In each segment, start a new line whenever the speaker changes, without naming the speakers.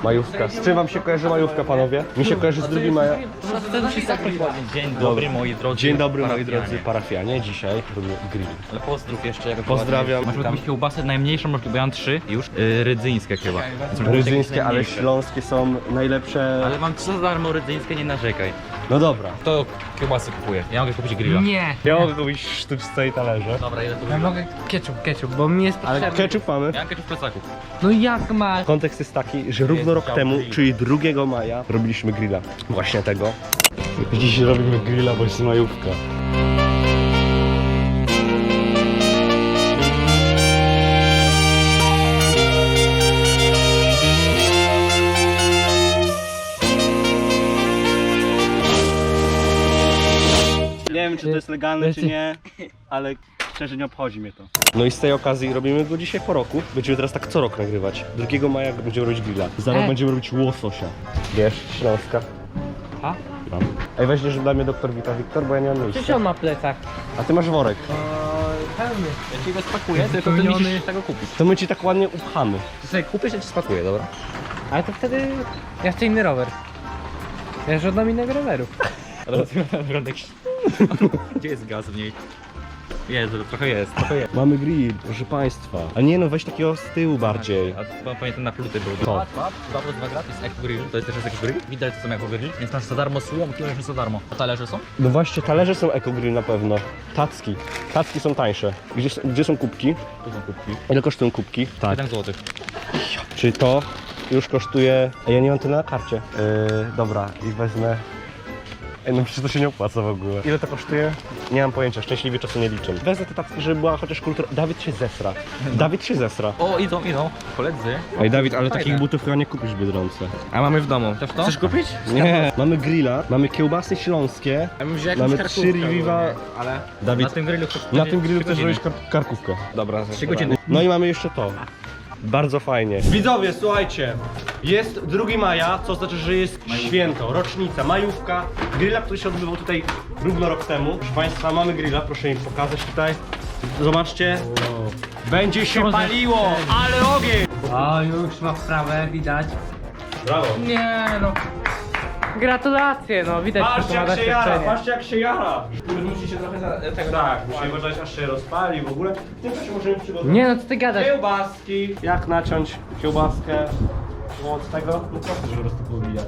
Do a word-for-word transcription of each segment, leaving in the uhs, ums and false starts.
Majówka. Z czym wam się kojarzy majówka, panowie? Mi się kojarzy z drugim maja.
Dzień dobry moi drodzy.
Dzień dobry moi
parafianie.
drodzy parafianie. Dzisiaj robimy grill.
Ale pozdrów jeszcze. Jak
Pozdrawiam.
Masz jakąś kiełbasę najmniejszą, bo ja mam trzy już. Yy, rydzyńskie chyba.
Rydzyńskie, ale
najmniejsze.
śląskie są najlepsze.
Ale mam trzy za darmo rydzyńskie, nie narzekaj.
No dobra.
To kiełbasy kupuję. Ja mogę kupić grilla.
Nie.
Ja mogę kupić sztuczce i talerze.
Dobra, ile to
Ja mogę ketchup, ketchup, bo mi jest
Ale
potrzebny.
ketchup mamy.
Ja mam ketchup w plecaku.
No jak masz?
Kontekst jest taki, że równo rok temu, czyli drugiego maja, robiliśmy grilla. Właśnie tego. Dziś robimy grilla, bo jest majówka.
Nie wiem, czy to jest legalne, czy nie, ale szczerze nie obchodzi mnie to.
No i z tej okazji robimy go dzisiaj po roku. Będziemy teraz tak co rok nagrywać. drugiego maja będziemy robić grilla. Za rok
E.
będziemy robić łososia. Wiesz, Śląska.
A?
Mam. Ej, weźmiesz dla mnie doktor Wita Wiktor, bo ja nie mam
Przecież
miejsca.
on ma plecak.
A ty masz worek.
Pełny.
Ja ci go spakuję, tylko ty
Wypełniony.
musisz tego kupić.
To my ci tak ładnie upchamy.
Ty sobie kupisz, ja ci spakuję, dobra?
Ale to wtedy ja chcę inny rower. Ja żądam innego roweru.
Ale naprawdę... Gdzie jest gaz w niej? Jest, trochę jest, trochę jest.
Mamy grill, proszę państwa. A nie no, weź takiego z tyłu bardziej.
A pamiętam na pluty był.
To.
dwa plus dwa gratis, Eco Grill, to jest też jest Eco Grill. Widać co są Eco Grill, więc masz za darmo słomki, masz za darmo. A talerze są?
No właśnie, talerze są Eco Grill na pewno. Tacki. Tacki są tańsze. Gdzie, gdzie są kubki?
Tu są kubki.
Ile kosztują kubki? Tak.
siedem złotych.
Czyli to już kosztuje... Ej, ja nie mam tyle na karcie. Yy, dobra, i wezmę... Ej, no przecież to się nie opłaca w ogóle. Ile to kosztuje? Nie mam pojęcia, szczęśliwie czasu nie liczę. Wezmę te tacki, żeby była chociaż kultura... Dawid się zesra. Dawid się zesra.
O, idą, idą. Koledzy.
Ej, Dawid, ale
Fajne.
takich butów chyba nie kupisz w Biedronce.
A mamy w domu.
Chcesz to?
Chcesz kupić?
Nie. Mamy grilla, mamy kiełbasy śląskie.
Ja bym wziął
Mamy
jakąś
trzy
karkówkę
Riviva.
ogólnie, ale...
Na
Dawid,
tym grillu
na tym grillu też robisz kar karkówkę.
Dobra,
trzy godziny.
No i mamy jeszcze to. Bardzo fajnie. Widzowie, słuchajcie. Jest drugiego maja, co znaczy, że jest święto, rocznica, majówka. Grilla, który się odbywał tutaj równo rok temu. Proszę Państwa, mamy grilla, proszę im pokazać tutaj. Zobaczcie. Będzie się paliło, ale ogień!
O, już ma wprawę, widać.
Brawo.
Nie no. Gratulacje, no widać, że
Patrzcie
to ma
jak się jara,
doświadczenie.
patrzcie jak się jara. Musicie trochę za, tego tak, musimy uważać aż się rozpali w ogóle. W tym czasie możemy przygotować
Nie no, co ty gadasz?
kiełbaski. Jak naciąć kiełbaskę od tego? No proszę, żeby po prostu pobijać.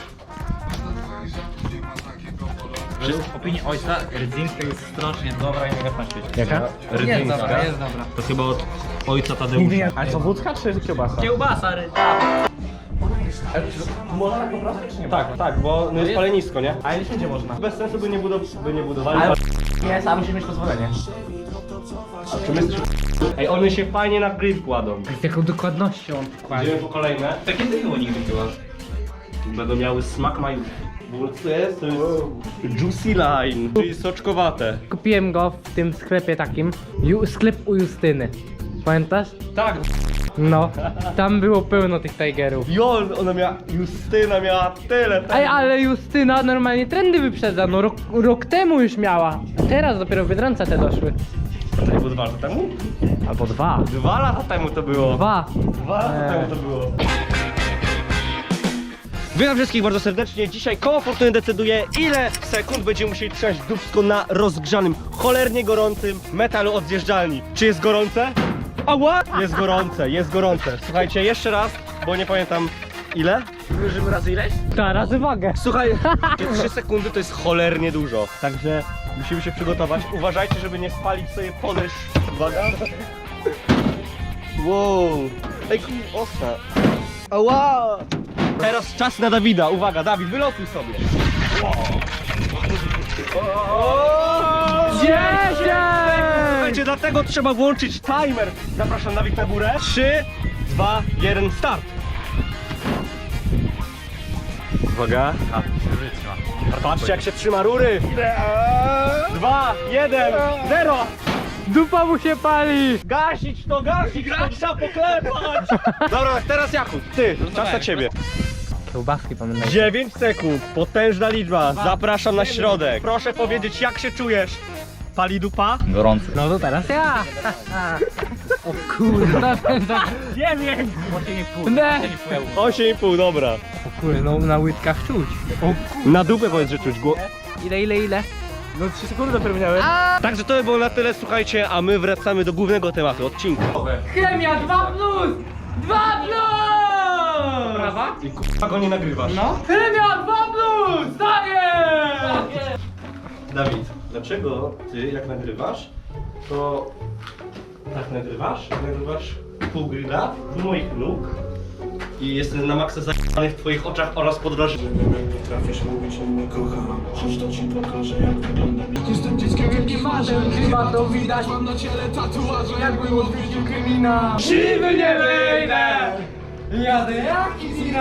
W opinii ojca rydzyńska jest strasznie dobra i mega na świecie.
Jaka?
Jest dobra, jest dobra.
To chyba od ojca Tadeusza. Ale co, wódka czy kiełbasa?
Kiełbasa rydzyńska.
Można tak po prostu, czy nie? Tak, tak, bo no jest palenisko, nie? A nie wszędzie można. Bez sensu by nie, budow by nie budowali. Ale...
Nie, sam musisz mieć pozwolenie.
A czy my jesteśmy... Ej, one się fajnie na grill kładą.
Z jaką dokładnością on wkłada.
Idziemy po kolejne.
Takie nie było nigdy chyba.
Będą miały smak majówki. W ogóle co to jest? To jest Juicy Line, czyli soczkowate.
Kupiłem go w tym sklepie takim. Ju sklep u Justyny. Pamiętasz?
Tak,
No. Tam było pełno tych Tigerów.
Jol, ona miała, Justyna miała tyle.
Ej, ale Justyna normalnie trendy wyprzedza, no rok, rok temu już miała. A teraz dopiero w Biedronce te doszły.
To było dwa lata temu?
Albo dwa.
Dwa lata temu to było.
Dwa.
Dwa lata temu to było. Witam wszystkich bardzo serdecznie. Dzisiaj koło fortuny decyduje, ile sekund będziemy musieli trzymać dupsko na rozgrzanym, cholernie gorącym metalu od zjeżdżalni. Czy jest gorące? Ała! Jest gorące, jest gorące. Słuchajcie, jeszcze raz, bo nie pamiętam ile.
Wyżymy razy ileś?
Ta, razy wagę.
Słuchaj, trzy sekundy to jest cholernie dużo. Także musimy się przygotować. Uważajcie, żeby nie spalić sobie podejść. Uwaga. Wow. Ej, kur- ostra. Ała! Teraz czas na Dawida. Uwaga, Dawid, wylotuj sobie.
Dziesięć!
Słuchajcie, dlatego trzeba włączyć timer. Zapraszam Dawid na górę. trzy, dwa, jeden, start. Uwaga.
A, życia.
Patrzcie jak się trzyma rury. dwa, jeden, zero.
Dupa mu się pali!
Gasić to, gasić to, trzeba poklepać. Dobra, teraz Jakub, ty, czas na ciebie.
Kiełbaski pamiętaj.
dziewięć sekund, potężna liczba. Zapraszam na środek. Proszę powiedzieć, jak się czujesz? Pali dupa?
Gorący.
No to teraz ja! O kurde, na ten za...
dziewięć! osiem i pół.
Nie.
osiem i pół, dobra.
O kurde, no na łydkach czuć.
Na dupę powiedz, że czuć. Gło...
Ile, ile, ile?
No trzy sekundy dopiero minęły.
Także to by było na tyle, słuchajcie, a my wracamy do głównego tematu odcinka.
Chemia dwa plus! dwa plus! Prawa?
I k***a go nie nagrywasz.
No. Chemia dwa plus! Daję!
Dawid, dlaczego ty jak nagrywasz, to tak nagrywasz, nagrywasz pół grilla w moich nóg i jestem na maksa zajebany w twoich oczach oraz podrożny.
Potrafisz mówić, że mnie kocham. Chodź to ci pokażę, jak wygląda. Jestem dzieckiem, jak nie marzę. Chyba to widać, mam na ciele tatuaże. Jakbym odwiedził kryminał.
Siwy nie wyjdę! Jadę jak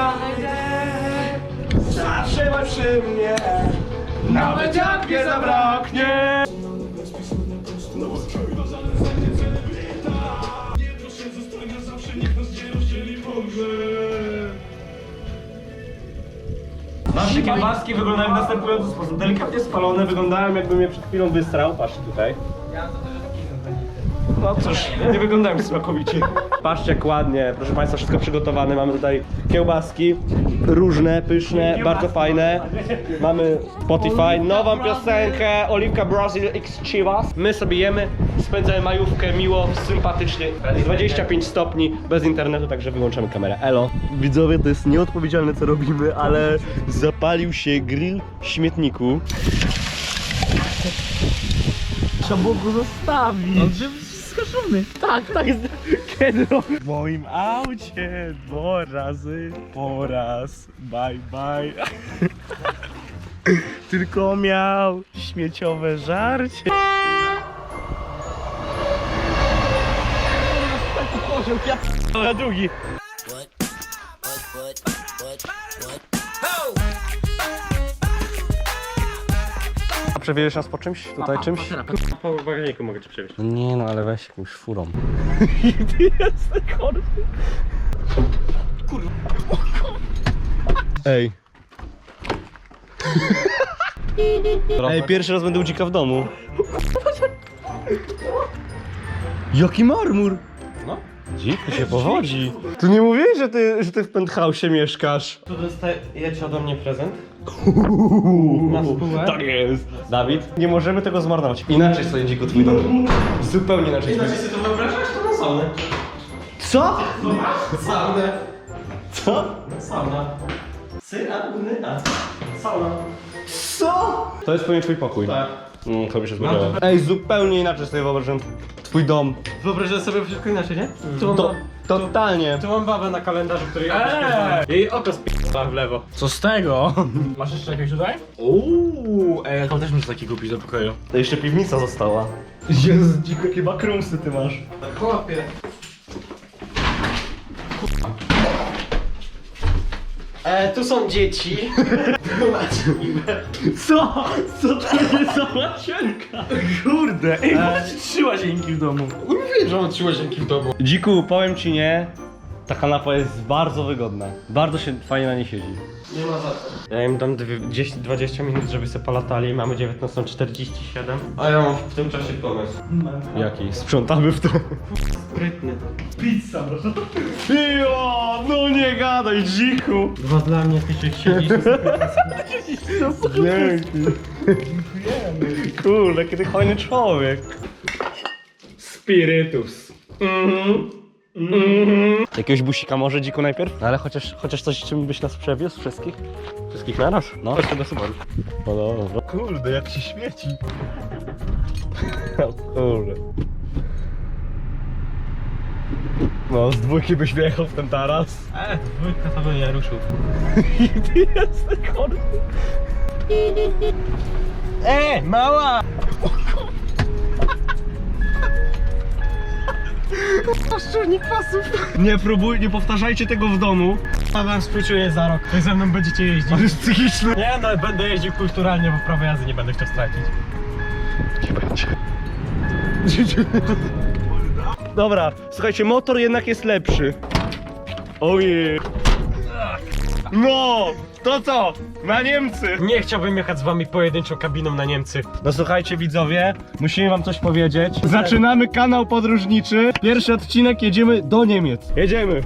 Zawsze masz przy mnie.
nawet jak mnie zabraknie!
No bo sprawia zalecenie celebryta. Nie proszę zostania zawsze, niech nas nie rozdzieli Boże.
Nasze kiełbaski wyglądają w następujący sposób. Delikatnie spalone, wyglądają jakbym je przed chwilą wystrał. Patrzcie tutaj. No cóż, nie wyglądają smakowicie. Patrzcie jak ładnie, proszę Państwa, wszystko przygotowane. Mamy tutaj kiełbaski, różne, pyszne, bardzo fajne. Mamy Spotify, nową piosenkę, Oliwka Brazil X Chivas. My sobie jemy, spędzamy majówkę miło, sympatycznie. dwadzieścia pięć stopni, bez internetu, także wyłączamy kamerę. Elo. Widzowie, to jest nieodpowiedzialne co robimy, ale zapalił się grill w śmietniku.
Trzeba było go zostawić. On był skażony. Tak, tak jest. Kiedy
W moim aucie dwa razy po raz. Bye bye. Tylko miał śmieciowe żarcie. Na drugi.
Przewieziesz nas po czymś? Tutaj czymś?
Po bagażniku mogę cię przewieźć.
No nie no, ale weź jakąś furą. Ej. Ej, pierwszy raz będę u dzika w domu. Jaki marmur!
No.
Dziku się powodzi. Tu nie mówiłeś, że ty, że ty w penthouse'ie mieszkasz. Tu dostajecie ode mnie prezent?
Na spółę?
Tak jest. Dawid, nie możemy tego zmarnować. Inaczej sobie dziku twój dom. Zupełnie inaczej. Inaczej sobie to wyobrażasz? To na saunę. Co? Saunę. Co? Sauna. Syna, nyna. Sauna. Co? To jest pewnie twój pokój. Tak. Mm, to by się zgodziło. Ej, zupełnie inaczej sobie wyobrażam twój dom.
Wyobrażasz sobie wszystko inaczej, nie? Tu mam,
To, totalnie.
tu mam babę na kalendarzu, której eee! Jej oko sp***a w lewo.
Co z tego? Masz jeszcze jakieś tutaj? Uuu, ej, to też muszę taki kupić do pokoju.
To jeszcze piwnica została. Jezu, dziko, jakie bakrumsy ty masz.
Chłopie. E, tu są dzieci.
Co? Co to jest za łazienka? Kurde, ej, masz trzy łazienki w domu.
Mówię, że mam trzy łazienki w domu.
Dziku, powiem ci nie, ta kanapa jest bardzo wygodna. Bardzo się fajnie na niej siedzi.
Nie ma za co. Ja im dam dziesięć dwadzieścia minut, żeby sobie polatali. Mamy dziewiętnastą czterdzieści siedem. A ja mam w tym czasie pomysł.
Jaki? Sprzątamy w to.
Sprytny.
Pizza, proszę.
Jo, no nie gadaj, dziku.
Dwa dla mnie, ty się siedzisz.
Dzięki. Kurde, jaki ty fajny człowiek.
Spirytus.
Mhm. Mhm. Jakiegoś busika może dziku najpierw? Ale chociaż, chociaż coś, czym byś nas przewiózł wszystkich? Wszystkich naraz? No, chodź do Subaru. No dobra.
Kurde, jak się śmieci.
O kurde. No, z dwójki byś wjechał w ten taras.
E, dwójka to by nie ruszył.
Ty jesteś chory.
E, mała!
Paszczurnik pasów. Nie próbuj, nie powtarzajcie tego w domu.
A wam współczuję za rok. Wy ze mną będziecie jeździć.
On jest psychiczny.
Nie no, będę jeździł kulturalnie, bo prawo jazdy nie będę chciał stracić.
Nie będzie. Dobra, słuchajcie, motor jednak jest lepszy. Ojej. No, to co? Na Niemcy!
Nie chciałbym jechać z wami pojedynczą kabiną na Niemcy.
No słuchajcie widzowie, musimy wam coś powiedzieć. Zaczynamy kanał podróżniczy. Pierwszy odcinek, jedziemy do Niemiec. Jedziemy.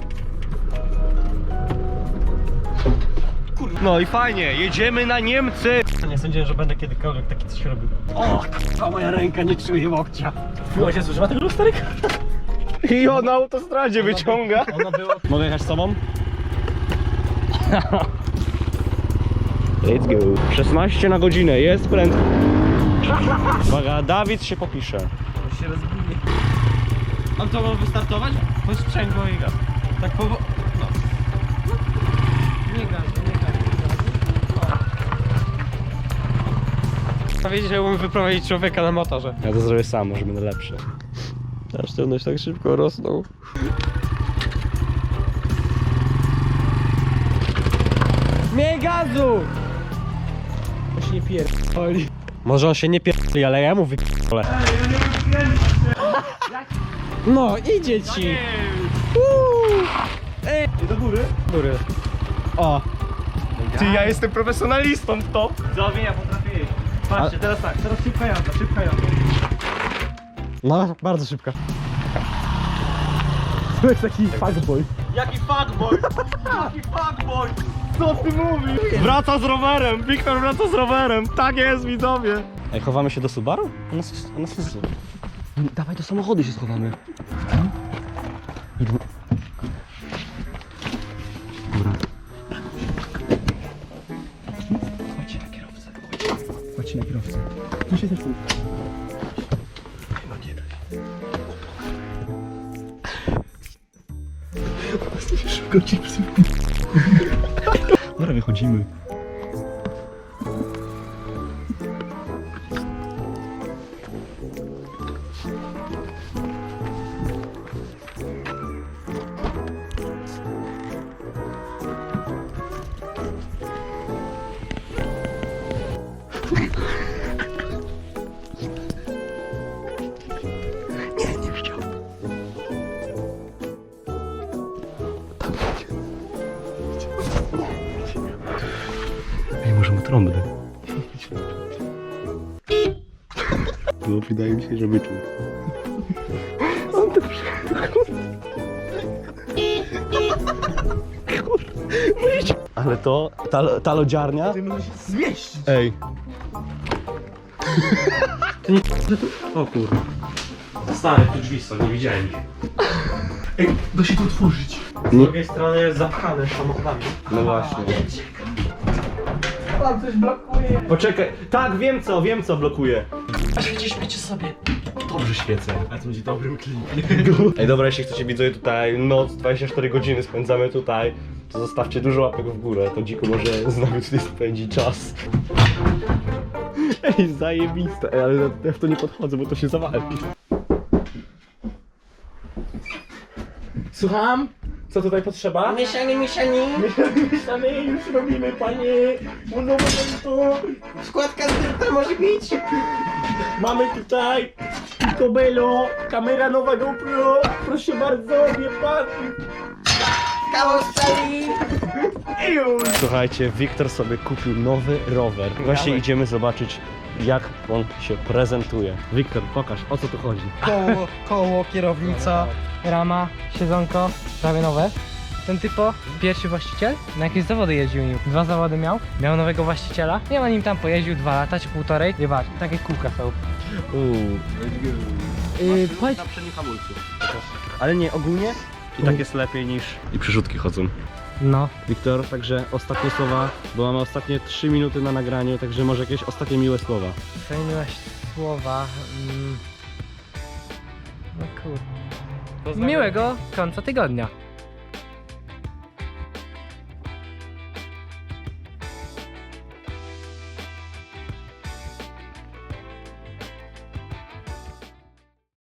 No i fajnie, jedziemy na Niemcy.
Nie sądziłem, że będę kiedykolwiek taki coś robił. O, a moja ręka nie czuje łokcia. Była się zużywa tego lusterek?
I on na autostradzie wyciąga.
Ona była...
Mogę jechać z tobą? Let's go. szesnaście na godzinę, jest prędko. Uwaga, Dawid się popisze.
się rozbije. On to ma wystartować? Chodź sprzęgło i gaz. Tak powo... No.
Nie gaz, nie gaz.
Powiedzieć, że umiem wyprowadzić człowieka na motorze.
Ja to zrobię sam, może będę lepszy. Ta sztywność tak szybko rosną.
Miej gazu! To się nie pierdoli.
Może on się nie pierdoli, ale ja mu wypierdolę.
No, idzie ci!
I do góry?
Góry.
O! Ty, ja jestem profesjonalistą w to.
Widzowie, ja potrafię jeździć. Patrzcie, teraz tak, teraz szybka jazda, szybka jazda.
No, bardzo szybka.
To jest taki fuckboy.
Jaki fuckboy! Jaki fuckboy! Co ty mówisz? Wraca z rowerem! Wiktor wraca z rowerem! Tak jest, widzowie! Ej, chowamy się do Subaru? U nas jest... U nas jest... Dawaj, do samochodu się schowamy. Dobra. Chodźcie na kierowcę. Chodźcie na kierowcę. Tu się zepsuł. Szybko chipsy. Dobra, wychodzimy. Ej, może ma trąbę. No, wydaje mi się, że wyczuł. On to Ale to, ta, ta lodziarnia... Ty możesz się zmieścić. Ej.
O kurwa. Stary, tu drzwi są, nie widziałem ich.
Ej, da się to otworzyć.
Z drugiej strony jest zapchane samochodami.
No właśnie.
Tam coś blokuje.
Poczekaj. Tak, wiem co, wiem co blokuje. A świecisz sobie. Dobrze świecę.
A to będzie dobrym klikiem.
Ej, dobra, jeśli chcecie widzowie tutaj noc, dwadzieścia cztery godziny spędzamy tutaj, to zostawcie dużo łapek w górę, to dziko może z nami tutaj spędzić czas. Ej, zajebiste, Ej, ale ja w to nie podchodzę, bo to się zawali.
Słucham? Co tutaj potrzeba?
Mieszanie, mieszanie,
Mieszamy, już robimy, panie. Mówią to.
składka z dyrta może być.
Mamy tutaj Kobelo, kamera nowa GoPro. Proszę bardzo, wie pan.
Kawał stali.
Słuchajcie, Wiktor sobie kupił nowy rower. Właśnie idziemy zobaczyć, jak on się prezentuje. Wiktor, pokaż, o co tu chodzi.
Koło, koło, kierownica, rama, siedzonko, prawie nowe. Ten typo, pierwszy właściciel, na jakieś zawody jeździł nim. Dwa zawody miał, miał nowego właściciela. Ja na nim tam pojeździł dwa lata czy półtorej. I patrz, takie kółka są.
Uuu.
Yy, powiedz,
Na przednim hamulcu. Ale nie, ogólnie i tak jest lepiej niż... I przerzutki chodzą.
no.
Wiktor, także ostatnie słowa, bo mamy ostatnie trzy minuty na nagraniu, także może jakieś ostatnie miłe słowa.
Zmieniłaś słowa. Mm. No kurde. Miłego końca tygodnia.